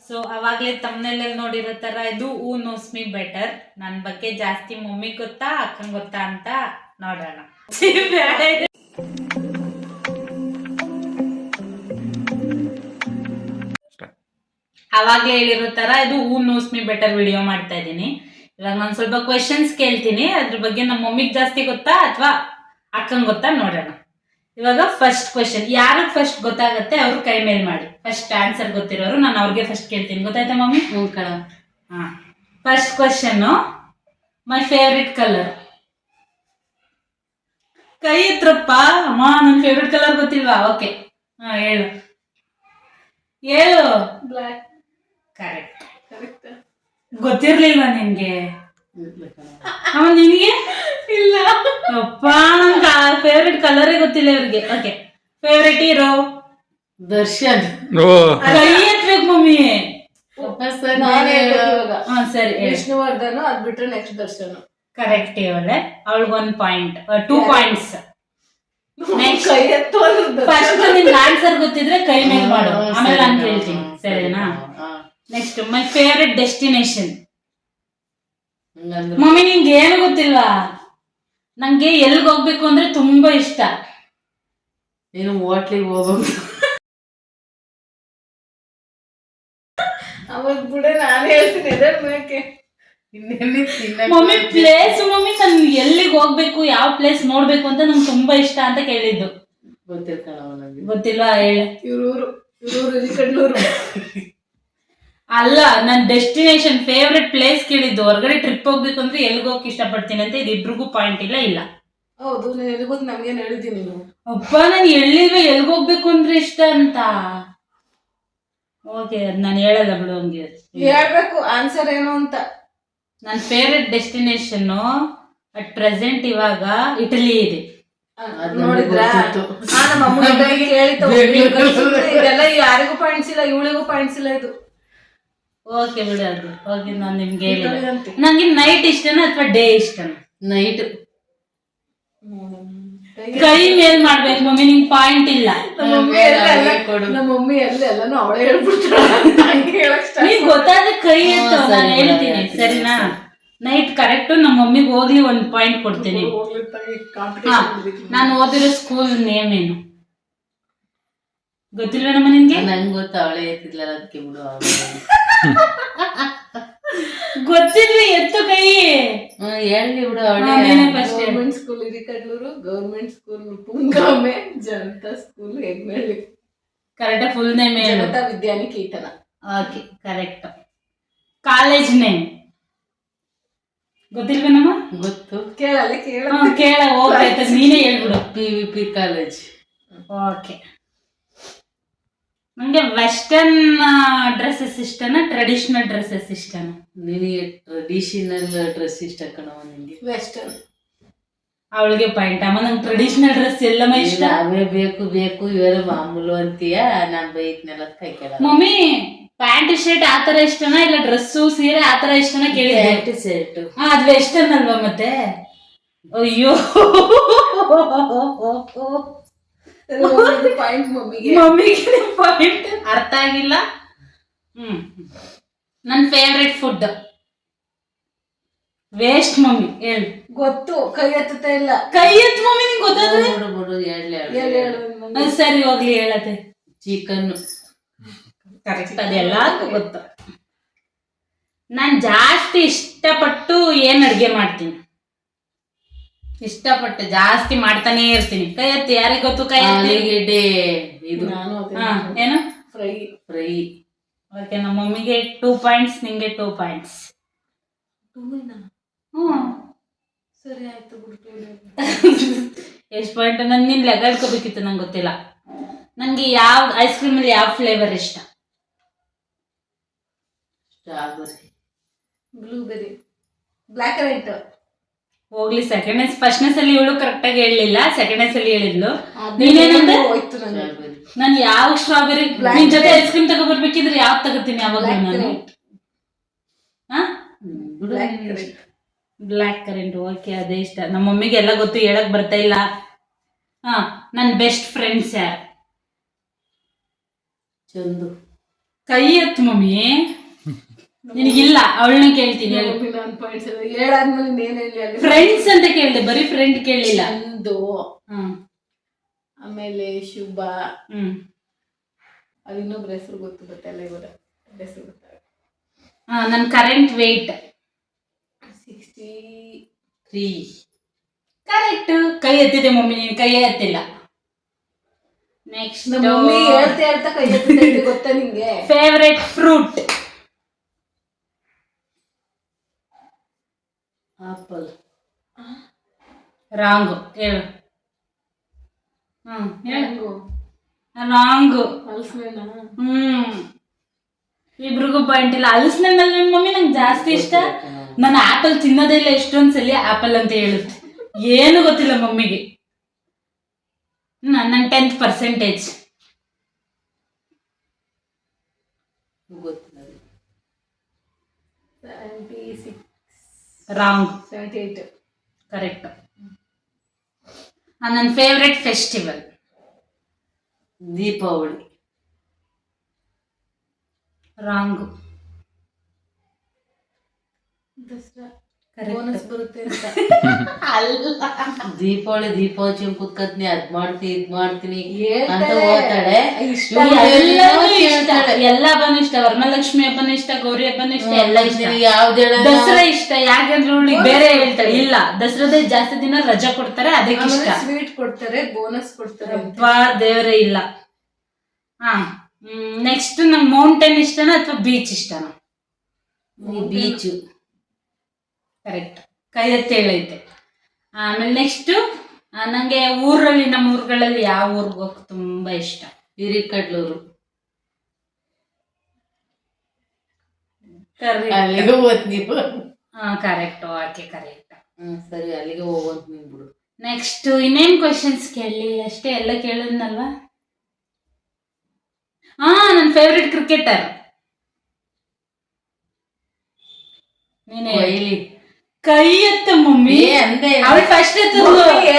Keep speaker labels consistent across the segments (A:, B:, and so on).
A: So ಅವಾಗಲೇ ತಮ್ಮನೆಲ್ಲ ನೋಡಿರೋ ಥರ ಇದು ಹೂ ನೋಸ್ ಮೀ ಬೆಟರ್. ನನ್ನ ಬಗ್ಗೆ ಜಾಸ್ತಿ ಮಮ್ಮಿಗೆ ಗೊತ್ತಾ ಅಕ್ಕಂಗೆ ಗೊತ್ತಾ ಅಂತ ನೋಡೋಣ. ಅವಾಗಲೇ ಹೇಳಿರೋ ಥರ ಇದು who knows me better video ಮಾಡ್ತಾ ಇದ್ದೀನಿ. ಇವಾಗ ನಾನು ಸ್ವಲ್ಪ ಕ್ವೆಶನ್ಸ್ ಕೇಳ್ತೀನಿ, ಅದ್ರ ಬಗ್ಗೆ ನಮ್ಮ ಮಮ್ಮಿಗೆ ಜಾಸ್ತಿ ಗೊತ್ತಾ ಅಥವಾ ಅಕ್ಕಂಗೆ ಗೊತ್ತಾ ನೋಡೋಣ. ಇವಾಗ ಫಸ್ಟ್ ಕ್ವೆಶನ್, ಯಾರಿಗೆ ಫಸ್ಟ್ ಗೊತ್ತಾಗತ್ತೆ ಅವ್ರು ಕೈ ಮೇಲ್ ಮಾಡಿ. ಫಸ್ಟ್ ಆನ್ಸರ್ ಗೊತ್ತಿರೋರು ನಾನು ಅವ್ರಿಗೆ ಫಸ್ಟ್ ಕೇಳ್ತೀನಿ. ಗೊತ್ತಾಯ್ತಾ ಮಮ್ಮಿ? ಹಾ. First question, my favourite colour. ಕೈ ಎತ್ರಪ್ಪ ಅಮ್ಮ. ನನ್ನ ಫೇವ್ರೆಟ್ ಕಲರ್ ಗೊತ್ತಿಲ್ವಾ? ಓಕೆ, ಹಾ ಹೇಳು ಹೇಳು.
B: ಬ್ಲ್ಯಾಕ್.
A: ಕರೆಕ್ಟ್. ಗೊತ್ತಿರ್ಲಿಲ್ವಾ ನಿನ್ಗೆ? ಅಮ್ಮ ನಿನಗೆ?
B: ಇಲ್ಲ
A: ಅಪ್ಪ, ನನ್ಗೆ ಫೇವ್ರೆಟ್ ಕಲರೇ ಗೊತ್ತಿಲ್ಲ ಇವ್ರಿಗೆ. Okay, favourite hero
B: Darshan.
A: ಕೈ ಎತ್ಬೇಕು ಮಮ್ಮಿ. ಸರಿ,
B: ವಿಷ್ಣುವರ್ಧನ್, ಅದ್ ಬಿಟ್ರೆ ನೆಕ್ಸ್ಟ್ ದರ್ಶನ್.
A: ಕರೆಕ್ಟ್. ಇವಳೆ ಅವಳಿಗೆ 1 ಪಾಯಿಂಟ್, 2 ಪಾಯಿಂಟ್ಸ್. ನೆಕ್ಸ್ಟ್ ಫಸ್ಟ್ ನಿನ್ ಆನ್ಸರ್ ಗೊತ್ತಿದ್ರೆ ಕೈ ಮೇಲೆ ಮಾಡು, ಆಮೇಲೆ ನಾನು ಕೇಳ್ತೀನಿ, ಸರಿನಾ? Next, my favourite destination. Mummy ನಿಂಗೆ ಏನು ಗೊತ್ತಿಲ್ವಾ? ನಂಗೆ ಎಲ್ಗ್ ಹೋಗ್ಬೇಕು ಅಂದ್ರೆ ತುಂಬಾ ಇಷ್ಟ.
B: ನೀನು ಹೋಟ್ಲಿಗೆ ಹೋಗ್ಬೇಕು. ಅವಾಗ ಬಿಡೆ ನಾನು ಹೇಳ್ತೀನಿ.
A: ಮಮ್ಮಿ ಪ್ಲೇಸ್, ಮಮ್ಮಿ ನನ್ ಎಲ್ಲಿಗೆ ಹೋಗ್ಬೇಕು, ಯಾವ ಪ್ಲೇಸ್ ನೋಡ್ಬೇಕು ಅಂತ ನಂಗೆ ತುಂಬಾ ಇಷ್ಟ ಅಂತ ಕೇಳಿದ್ದು. ಗೊತ್ತಿಲ್ವಾ? ಹೇಳ.
B: ಇವ್ರೂರು ಕಡ್ಲೂರು.
A: ಅಲ್ಲ, ನನ್ ಡೆಸ್ಟಿನೇಷನ್ ಫೇವ್ರೆಟ್ ಪ್ಲೇಸ್ ಕೇಳಿದ್ದು. ಹೊರಗಡೆ ಟ್ರಿಪ್ ಹೋಗ್ಬೇಕು ಅಂದ್ರೆ ಎಲ್ಗ್ ಹೋಗಕ್ ಇಷ್ಟಪಡ್ತೀನಿ ಅಂತ. ಇದು ಇಬ್ರಿಗೂ ಪಾಯಿಂಟ್ ಇಲ್ಲ. ಇಲ್ಲ
B: ಹೌದು, ನೀನು ಎಲ್ಗೋದ್ ನಮ್ಗೇನು ಹೇಳಿದ್ದೀನಿ ನೀನು.
A: ಅಪ್ಪ, ನಾನು ಹೇಳಿಲ್ವ ಎಲ್ಗ್ ಹೋಗ್ಬೇಕು ಅಂದ್ರೆ ಇಷ್ಟ ಅಂತ. ಓಕೆ, ಅದ್ ನಾನು ಹೇಳಲ್ಲ ಬಿಡು. ಹಂಗೆ
B: ಹೇಳ್ಬೇಕು ಆನ್ಸರ್ ಏನು ಅಂತ.
A: ನನ್ನ ಫೇವ್ರೆಟ್ ಡೆಸ್ಟಿನೇಷನ್ ಅಟ್ ಪ್ರೆಸೆಂಟ್ ಇವಾಗ ಇಟಲಿ ಇದೆ.
B: ನೋಡಿದ್ರ ನಮ್ಮ ಅಮ್ಮನಿಗೆ ಇದೆಲ್ಲ ಯಾರಿಗೂ ಪಾಯಿಂಟ್ಸ್ ಇಲ್ಲ, ಇವಳಿಗೂ ಪಾಯಿಂಟ್ಸ್ ಇಲ್ಲ. ಇದು
A: ಓಕೆ ಬಿಡು. ಅದು ಓಕೆ, ನಾನು ನಿಮ್ಗೆ ಹೇಳಿಲ್ಲ. ನಂಗೆ ನೈಟ್ ಇಷ್ಟನಾ ಅಥವಾ ಡೇ ಇಷ್ಟನಾ?
B: ನೈಟ್.
A: ಕೈ ಮೇಲ್ ಮಾಡ್ಬೇಕು ಮಮ್ಮಿ, ನಿಂಗೆ ಪಾಯಿಂಟ್ ಇಲ್ಲ.
B: ನಮ್ಮ ಮಮ್ಮಿ ಎಲ್ಲಾನು ಅವಳೇ ಹೇಳ್ಬಿಡ್ತಾಳೆ.
A: ನೀವ್ ಗೊತ್ತಾದ್ರೆ ಕೈ ಎತ್ತು, ನಾನು ಹೇಳ್ತೀನಿ, ಸರಿನಾ? ನೈಟ್ ಕರೆಕ್ಟ್ ನಮ್ಮ ಮಮ್ಮಿಗೆ ಹೋಗ್ಲಿ 1 ಪಾಯಿಂಟ್ ಕೊಡ್ತೀನಿ. ನಾನು ಓದಿರೋ ಸ್ಕೂಲ್ ನೇಮ್ ಏನು ಗೊತ್ತಿಲ್ವ ನಮ್ಮ ನಿನ್ಗೆ?
B: ನಂಗೆ ಗೊತ್ತ, ಅವಳೇ ಎತ್ತಿದ್ಲ, ಅದಕ್ಕೆ ಬಿಡು.
A: ಗೊತ್ತಿಲ್ವಿ, ಎತ್ತು ಕೈ.
B: ಹೇಳಿ ಬಿಡು. Government school Hirikadluru, government school Pungame, Janata school Hegnalli.
A: Correct full name ಏನು?
B: Janata Vidyaniketan.
A: Okay, correct. College name ಗೊತ್ತಿಲ್ವ ನಮ್ಮ?
B: ಗೊತ್ತು. ಕೇಳಲ್ಲ
A: ಕೇಳ ಹೋಗ್ತಾಯ್ತ, ನೀನೇ ಹೇಳ್ಬಿಡು.
B: PVP college.
A: ಓಕೆ. ನಂಗೆ ವೆಸ್ಟರ್ನ್ ಡ್ರೆಸ್ಸಸ್ ಇಷ್ಟನಾ ಟ್ರೆಡಿಷನಲ್ ಡ್ರೆಸ್ಸಸ್ ಇಷ್ಟನಾ?
B: ನಿನಗೆ ಟ್ರೆಡಿಷನಲ್ ಡ್ರೆಸ್ ಇಷ್ಟ ಕಣವ. ನಿಂಗೆ ವೆಸ್ಟರ್ನ್.
A: ಅವಳಿಗೆ ಪಾಯಿಂಟ್. ಅಮ್ಮ ನಂಗೆ ಟ್ರೆಡಿಷನಲ್ ಡ್ರೆಸ್ ಎಲ್ಲಮ್ಮ ಇಷ್ಟ.
B: ಅವೇ ಬೇಕು ಇವೆಲ್ಲ ಮಾಮೂಲು ಅಂತೀಯ. ನಾನ್ ಬೈತ್ನೆಲ್ಲ ಕೈ ಕೇಳ.
A: ಮಮ್ಮಿ ಪ್ಯಾಂಟ್ ಶರ್ಟ್ ಆತರ ಇಷ್ಟನಾ ಇಲ್ಲ ಡ್ರೆಸ್ಸು ಸೀರೆ ಆತರ ಇಷ್ಟನಾ ಕೇಳಿದ್ದೆ.
B: Pant shirt.
A: ಅದು ವೆಸ್ಟರ್ನ್ ಅಲ್ವಾ ಮತ್ತೆ? ಅಯ್ಯೋ, ಮಮ್ಮಿಗೆ ಪಾಯಿಂಟ್ ಅರ್ಥ ಆಗಿಲ್ಲ. ನನ್ನ ಫೇವ್ರೆಟ್ ಫುಡ್ ವೇಸ್ಟ್. ಮಮ್ಮಿ ಹೇಳು.
B: ಗೊತ್ತು, ಕೈ ಎತ್ತುತ್ತಾ ಇಲ್ಲ.
A: ಕೈ ಎತ್ತು ಮಮ್ಮಿ, ನಿಂಗೆ ಗೊತ್ತಾದ್ರೆ ಸರಿ ಹೋಗ್ಲಿ. ಹೇಳತ್ತೆ
B: ಚಿಕನ್.
A: ಕರೆಕ್ಟ್, ಅದೆಲ್ಲ ಗೊತ್ತು. ನಾನು ಜಾಸ್ತಿ ಇಷ್ಟಪಟ್ಟು ಏನ್ ಅಡ್ಗೆ ಮಾಡ್ತೀನಿ, ಇಷ್ಟಪಟ್ಟು ಜಾಸ್ತಿ ಮಾಡ್ತಾನೆ ಇರ್ತೀನಿ. ಕೈ ಎತ್ತಿ. ಯಾರಿಗೆ ಗೊತ್ತು? ಕೈ
B: ಆಲೂಗೆಡ್ಡೆ. ಇದು
A: ಏನು?
B: ಫ್ರೈ.
A: ಓಕೆ, ನಮ್ಮ ಮಮ್ಮಿಗೆ 2 ಪಾಯಿಂಟ್ಸ್, ನಿಂಗೆ 2 ಪಾಯಿಂಟ್ಸ್.
B: ಸರಿ ಆಯ್ತು ಬಿಡ್ತು.
A: ಎಷ್ಟು ಪಾಯಿಂಟ್? ನಾನು ನಿನ್ ಲೆಕ್ಕ ಇಟ್ಕೋಬೇಕಿತ್ತು, ನಂಗೆ ಗೊತ್ತಿಲ್ಲ. ನನಗೆ ಯಾವ ಐಸ್ ಕ್ರೀಮಲ್ಲಿ ಯಾವ ಫ್ಲೇವರ್ ಇಷ್ಟ?
B: Strawberry, blueberry, black currant.
A: ಹೋಗ್ಲಿ, ಸೆಕೆಂಡ್ ಫಸ್ಟ್ನೆಸ್ ಅಲ್ಲಿ ಇವಳು ಕರೆಕ್ಟ್ ಆಗಿ ಹೇಳಲಿಲ್ಲ, ಸೆಕೆಂಡ್ನೆಸ್ ಅಲ್ಲಿ ಹೇಳಿದ್ಲು. ನೀನೇನಂದ್ರೆ ನಾನು ಯಾವ ಸ್ಟ್ರಾಬೆರಿ ನಿನ್ ಜೊತೆ ಐಸ್ ಕ್ರೀಮ್ ತಗೋಬರ್ಬೇಕಿದ್ರೆ ಯಾವ್ದು ತಗೋತೀನಿ ಅವಾಗ ನಾನು? Black current. ಓಕೆ, ಅದೇ ಇಷ್ಟ. ನಮ್ಮ ಮಮ್ಮಿಗೆ ಎಲ್ಲ ಗೊತ್ತು, ಹೇಳಕ್ ಬರ್ತಾ ಇಲ್ಲ. ನನ್ನ ಬೆಸ್ಟ್ ಫ್ರೆಂಡ್ಸ್ ಯಾರು?
B: ಚಂದು.
A: ಕೈ ಎತ್ತು ಮಮ್ಮಿ. ನಿನಗಿಲ್ಲ, ಅವಳನ್ನ ಕೇಳ್ತೀನಿ ಹೇಳು.
B: ನಾನು ಪಾಯಿಂಟ್ಸ್ ಹೇಳಾದ್ಮೇಲೆ ನೀನ್ ಹೇಳಿ ಅಲ್ಲಿ.
A: ಫ್ರೆಂಡ್ಸ್ ಅಂತ ಕೇಳಿದೆ, ಬರೀ ಫ್ರೆಂಡ್ ಕೇಳಲಿಲ್ಲ.
B: ಚಂದು,
A: ಹ್ಮ್
B: ಆಮೇಲೆ ಶುಭ,
A: ಹ್ಮ್
B: ಅದು ಇನ್ನೊಬ್ರ ಹೆಸರು ಗೊತ್ತಿಲ್ಲ ಇವಾಗ ಹೆಸರು ಗೊತ್ತಾಗ.
A: ನನ್ ಕರೆಂಟ್ ವೇಟ್
B: 63.
A: ಕರೆಕ್ಟ್. ಕೈ ಎತ್ತಿದೆ ಮಮ್ಮಿ, ನೀನ್ ಕೈ ಎತ್ತಿಲ್ಲ. ನೆಕ್ಸ್ಟ್
B: ಮಮ್ಮಿ ಹೇಳ್ತಾ ಹೇಳ್ತಾ ಕೈ ಎತ್ತಿದೆ ಗೊತ್ತಾ ನಿಂಗೆ?
A: Favourite fruit.
B: ಆಪಲ್.
A: ರಾಂಗು ಹೇಳು.
B: ಹೇಳು.
A: ರಾಂಗು.
B: ಹಲಸಿನ.
A: ಇಬ್ರಿಗೂ ಪಾಯಿಂಟ್ ಇಲ್ಲ. ಹಲಸಿನಲ್ಲಿ ಮಮ್ಮಿ ನಂಗೆ ಜಾಸ್ತಿ ಇಷ್ಟ. ನಾನು ಆಪಲ್ ತಿನ್ನೋದೇ ಇಲ್ಲ, ಎಷ್ಟೊಂದ್ಸಲಿ ಆಪಲ್ ಅಂತ ಹೇಳುತ್ತೆ. ಏನು ಗೊತ್ತಿಲ್ಲ ಮಮ್ಮಿಗೆ. ನನ್ನ 10%.
B: ಗೊತ್ತಿಲ್ಲ. 76.
A: ರಾಂಗ್.
B: 78.
A: ಕರೆಕ್ಟ್. ನನ್ನ favourite festival
B: Deepavali.
A: Wrong.
B: Dasara.
A: Correct.
B: Bonus ಬರುತ್ತೆ ಅಂತ.
C: ದೀಪಾವಳಿ ಕುತ್ಕತ್ನಿ ಅದ್ ಮಾಡ್ತೀನಿ ಇದ್ ಮಾಡ್ತೀನಿ ಅಂತ
B: ಹೇಳ್ತಾಳೆ.
C: ಓದ್ತಾಳೆ.
A: ಎಲ್ಲಾನು ಇಷ್ಟ. ಎಲ್ಲ ಹಬ್ಬನೂ ಇಷ್ಟ. ವರಮಹಾಲಕ್ಷ್ಮಿ ಹಬ್ಬನೂ ಇಷ್ಟ, ಗೌರಿ ಹಬ್ಬನೂ ಇಷ್ಟ, ಎಲ್ಲ ಇಷ್ಟ.
C: ಯಾವ್ದು
A: ದಸರಾ ಇಷ್ಟ. ಯಾಕಂದ್ರೆ ಅವಳಿಗೆ ಬೇರೆ ಹೇಳ್ತಾಳೆ, ಇಲ್ಲ ದಸರಾದ ಜಾಸ್ತಿ ದಿನ ರಜಾ ಕೊಡ್ತಾರೆ, ಅದಕ್ಕೆ ಇಷ್ಟ.
B: ಸ್ವೀಟ್ ಕೊಡ್ತಾರೆ, ಬೋನಸ್ ಕೊಡ್ತಾರೆ.
A: ಅಬ್ಬಾ ದೇವರೇ ಇಲ್ಲ. ನೆಕ್ಸ್ಟ್ ನಂಗೆ ಮೌಂಟೇನ್ ಇಷ್ಟನಾ ಅಥವಾ ಬೀಚ್ ಇಷ್ಟನಾ?
C: ಬೀಚು.
A: ಕರೆಕ್ಟ್. ಕೈ ಎತ್ತಿ ಹೇಳೈತೆ. ಆಮೇಲೆ ನೆಕ್ಸ್ಟ್ ನಂಗೆ ಊರಲ್ಲಿ, ನಮ್ಮ ಊರುಗಳಲ್ಲಿ ಯಾವ ಊರಿಗೆ ಹೋಗಕ್ಕೆ ತುಂಬಾ ಇಷ್ಟ?
C: ಹಿರಿಕಡ್ಲೂರು.
B: ಅಲ್ಲಿಗೆ ಹೋದ್ ನೀವು.
A: ಕರೆಕ್ಟ್. Okay correct.
C: ಸರಿ, ಅಲ್ಲಿಗೆ ಹೋಗೋದು ನೀನ್ ಬಿಡು.
A: ನೆಕ್ಸ್ಟ್ ಇನ್ನೇನ್ ಕ್ವೆಶನ್ಸ್ ಕೇಳಿ? ಅಷ್ಟೇ, ಎಲ್ಲ ಕೇಳಿದ್ನಲ್ವಾ? ನನ್ನ ಫೇವ್ರೆಟ್ ಕ್ರಿಕೆಟರ್ ನೀನೇ.
C: ಕೊಹ್ಲಿ.
A: ಕೈ ಎತ್ತ ಮಮ್ಮಿ.
C: ಅಂದೆ
A: ಅವಳು ಫಸ್ಟ್ ಎತ್ತಿದ್ದು.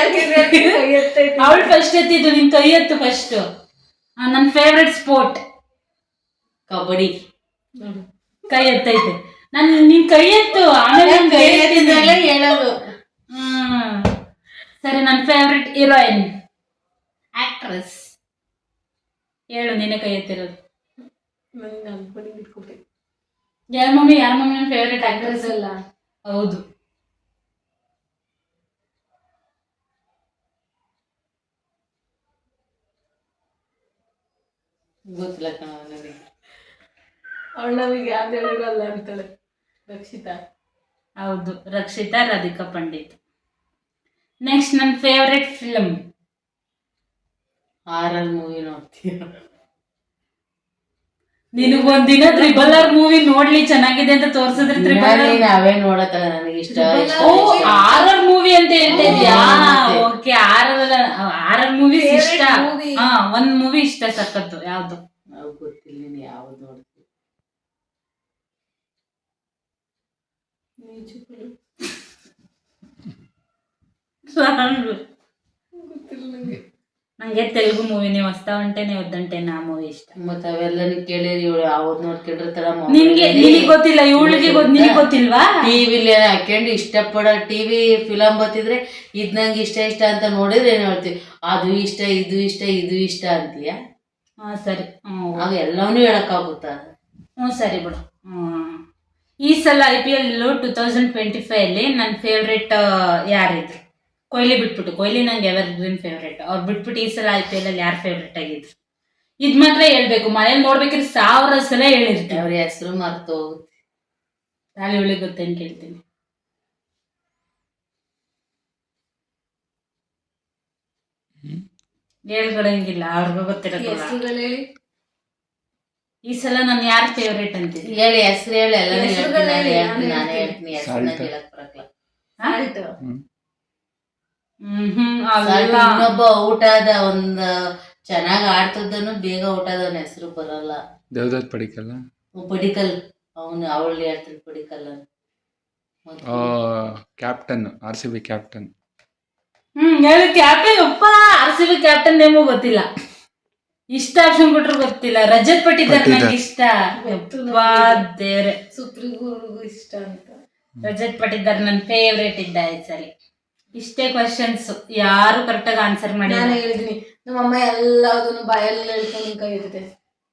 A: ಅವಳು ಫಸ್ಟ್ ಎತ್ತಿದ್ದು, ನಿನ್ ಕೈ ಎತ್ತು ಫಸ್ಟ್. ನನ್ನ ಫೇವ್ರೆಟ್ ಸ್ಪೋರ್ಟ್
C: ಕಬಡ್ಡಿ.
A: ಕೈ ಎತ್ತೈತೆ. ನಿನ್ ಕೈ ಎತ್ತು, ಆಮೇಲೆ ನಾನ್ ಕೈ ಎತ್ತಿದ್ಮೇಲೆ
C: ಹೇಳೋದು.
A: ಸರಿ. ನನ್ನ ಫೇವ್ರೆಟ್ ಹೀರೋಯಿನ್, ಆಕ್ಟ್ರೆಸ್ ಹೇಳು. ನೀನೇ ಕೈ ಎತ್ತಿರೋದು. ಯಾರ ಮಮ್ಮಿ ನನ್ನ ಫೇವ್ರೆಟ್ ಆಕ್ಟ್ರೆಸ್
B: ಅಲ್ಲ?
A: ಹೌದು.
C: ಗೊತ್ತಿಲ್ಲ ಕಣ ನನಗೆ.
B: ಅವಳು ನಮಗೆ ಯಾವ್ದು ಹೇಳಿರಲ್ಲ ಅಂತಾಳೆ. ರಕ್ಷಿತಾ.
A: ಹೌದು, ರಕ್ಷಿತಾ ರಾಧಿಕಾ ಪಂಡಿತ್. ನೆಕ್ಸ್ಟ್ ನನ್ನ ಫೇವ್ರೆಟ್ ಫಿಲಮ್.
C: ಹಾರರ್ ಮೂವಿ ನೋಡ್ತೀಯ?
A: ನಿನಗೊಂದಿನ RRR ಮೂವಿ ನೋಡ್ಲಿ ಚೆನ್ನಾಗಿದೆ ಅಂತ ತೋರ್ಸಿದ್ರೆ RRR
C: ಅವೇ ನೋಡತ್ತಲ್ಲ, ನನಗೆ ಇಷ್ಟ.
A: ಹಾರರ್ ಮೂವಿ ಅಂತ ಹೇಳ್ತಾ ಇದ್ಯಾ? ಓಕೆ. ಹಾರರ್ ಮೂವಿ ಇಷ್ಟ. ಒಂದ್ ಮೂವಿ ಇಷ್ಟ ಸಖತ್ತು. ಯಾವ್ದು?
C: ನಾವು ಗೊತ್ತಿಲ್ಲ. ನೀನು ಯಾವ್ದು ನೋಡ್ತೀವಿ? ನಂಗೆ ತೆಲುಗು ಮೂವಿನೇ ಹೊಸ್ತಾ ಹೊಂಟೇನೆ ಒದ್ದಂಟೇನೆ ಆ ಮೂವಿ ಇಷ್ಟ. ಮತ್ತ ಅವೆಲ್ಲ ಕೇಳಿರಿ, ಇವಳು ಯಾವ್ದು ನೋಡ್ಕೊಂಡಿರ್ತಾರ.
A: ನಿನಗೆ ಗೊತ್ತಿಲ್ಲ, ಇವಳಿಗೆ ನಿನಗೆ ಗೊತ್ತಿಲ್ವಾ?
C: ಟಿವಿಲಿ ಹಾಕೊಂಡು ಇಷ್ಟಪಡೋ ಟಿವಿ ಫಿಲಮ್ ಬತ್ತಿದ್ರೆ ಇದ್ ನಂಗೆ ಇಷ್ಟ ಅಂತ ನೋಡಿದ್ರೆ ಏನ್ ಹೇಳ್ತೀವಿ, ಅದು ಇಷ್ಟ, ಇದು ಇಷ್ಟ, ಇದು ಇಷ್ಟ ಅಂತೀಯ.
A: ಸರಿ.
C: ಅವು ಎಲ್ಲವನ್ನೂ ಹೇಳಕ್ಕಾಗುತ್ತಾ?
A: ಸರಿ ಬಿಡು. ಈ ಸಲ IPL 2025 ಅಲ್ಲಿ ನನ್ನ ಫೇವ್ರೆಟ್ ಯಾರಿದ್ರು? ಕೊಹ್ಲಿ ಬಿಟ್ಬಿಟ್ಟು. ಕೊಹ್ಲಿ ನಂಗೆ ಎವರ್ ಗ್ರೀನ್ ಫೇವ್ರೇಟ್. ಅವ್ರು ಬಿಟ್ಬಿಟ್ಟು ಈ ಸಲ IPL ಅಲ್ಲಿ ಯಾರು ಫೇವ್ರೇಟ್ ಆಗಿದ್ರು? ಇದ್ ಮಾತ್ರ ಹೇಳ್ಬೇಕು. ಮನೇಲಿ ನೋಡ್ಬೇಕಿದ್ರೆ 1000 ಸಲ ಹೇಳಿರ್ತೀವಿ.
C: ಅವ್ರ ಹೆಸರು ಮರ್ತು ಹೋಗುತ್ತೆ.
A: ತಾಳಿ ಇವಳಿಗೆ ಗೊತ್ತೇನು ಕೇಳ್ತೀನಿ. ಹೇಳ್ಕೊಳಂಗಿಲ್ಲ, ಅವ್ರಿಗೂ ಗೊತ್ತಿರೋದು.
B: ಹೇಳಿ.
A: ಈ ಸಲ ನಾನು ಯಾರು ಫೇವ್ರೇಟ್ ಅಂತೀನಿ?
C: ಹೇಳಿ, ಹೆಸರು ಹೇಳಿ. ಎಲ್ಲ ನಾನು ಹೇಳ್ತೀನಿ. ಹೆಸರನ್ನ ಹೇಳಕ್ ಬರಕ್ಲ. ಇನ್ನೊಬ್ಬ ಔಟ್ ಆದ, ಒಂದ್ ಚೆನ್ನಾಗ್ ಆಡ್ತದನು ಬೇಗ ಔಟ್ ಆದವನ ಹೆಸರು ಬರಲ್ಲ.
D: ದೇವದತ್ ಪಡಿಕಲ್ಲ.
C: ಪಡಿಕಲ್. ಅವಳು ಹೇಳ್ತಾಳೆ ಪಡಿಕಲ್ ಅಂತ.
D: Captain, RCB captain.
A: ಹೇಳಿ. ಕ್ಯಾಪ್ಟನ್. RCB ಕ್ಯಾಪ್ಟನ್ ನೇಮು ಗೊತ್ತಿಲ್ಲ. ಇಷ್ಟ ಆಪ್ಷನ್ ಕೊಟ್ರು ಗೊತ್ತಿಲ್ಲ. ರಜತ್ ಪಟ್ಟಿದಾರ್ ನಂಗೆ ಇಷ್ಟ.
B: ಗೊತ್ತು
A: ಯಪ್ಪಾ ದೇವ್ರೆ.
B: ಸುಪ್ರೀಗೂ ಇಷ್ಟ ಅಂತ.
A: ರಜತ್ ಪಟ್ಟಿದಾರ್ ನನ್ನ ಫೇವ್ರೇಟ್ ಇದ್ದ ಈ ಸರಿ. ಇಷ್ಟೇ ಕ್ವಶನ್ಸ್ ಯಾರು ಕರೆಕ್ಟಾಗಿ ಆನ್ಸರ್ ಮಾಡಿ.
B: ನಾನು ಹೇಳಿದೀನಿ ನಮ್ಮಮ್ಮ ಎಲ್ಲದನ್ನು ಬಾಯಲ್ಲಿ ಹೇಳ್ಕೊಂಡು ಕೈ ಇರುತ್ತೆ.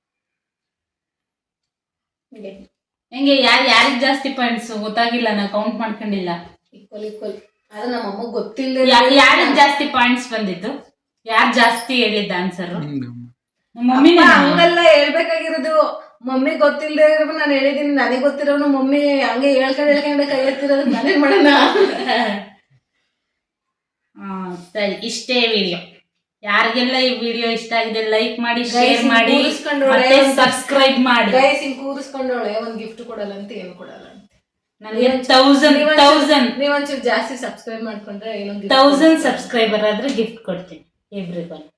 A: ಹೆಂಗೆ ಯಾರಿಗ್ ಜಾಸ್ತಿ ಪಾಯಿಂಟ್ಸ್ ಗೊತ್ತಾಗಿಲ್ಲ, ನಾ ಕೌಂಟ್ ಮಾಡ್ಕೊಂಡಿಲ್ಲ.
B: ಈಕ್ವಲ್ ಆದ್ರೆ ನಮ್ಮಮ್ಮ ಗೊತ್ತಿಲ್ಲ.
A: ಯಾರಿಗ್ ಜಾಸ್ತಿ ಪಾಯಿಂಟ್ಸ್ ಬಂದಿದ್ದು, ಯಾರು ಜಾಸ್ತಿ ಹೇಳಿದ್ದ ಆನ್ಸರ್? ಮಮ್ಮಿ.
B: ಹಂಗೆಲ್ಲ ಹೇಳ್ಬೇಕಾಗಿರೋದು. ಮಮ್ಮಿ ಗೊತ್ತಿಲ್ಲದೆ ಇರೋ ನಾನು ಹೇಳಿದೀನಿ. ನನಗೆ ಗೊತ್ತಿರೋನು ಮಮ್ಮಿ ಹಂಗೆ ಹೇಳ್ಕೊಂಡೆ ಕೈ ಎತ್ತಿರೋದು ನಾನೇನ್ ಮಾಡೋಣ.
A: ಸರಿ, ಇಷ್ಟೇ ವಿಡಿಯೋ. ಯಾರಿಗೆಲ್ಲ ಈ ವಿಡಿಯೋ ಇಷ್ಟ ಆಗಿದೆ ಲೈಕ್ ಮಾಡಿ, ಶೇರ್ ಮಾಡಿ, ಮತ್ತೆ ಸಬ್ಸ್ಕ್ರೈಬ್ ಮಾಡಿ.
B: ಗೈಸ್ ಹಿಂಗ್ ಕೂರಿಸ್ಕೊಂಡವಳೆ ಒಂದ್ ಗಿಫ್ಟ್ ಕೊಡಲ್ಲ ಅಂತ ಏನು ಕೊಡಲ್ಲ ಅಂತ.
A: ನನಗೆ 1000
B: ನೀವೊಂಚೂರು ಜಾಸ್ತಿ ಸಬ್ಸ್ಕ್ರೈಬ್ ಮಾಡ್ಕೊಂಡ್ರೆ
A: 1000 ಸಬ್ಸ್ಕ್ರೈಬರ್ ಆದ್ರೆ ಗಿಫ್ಟ್ ಕೊಡ್ತೀನಿ ಎವ್ರಿವನ್.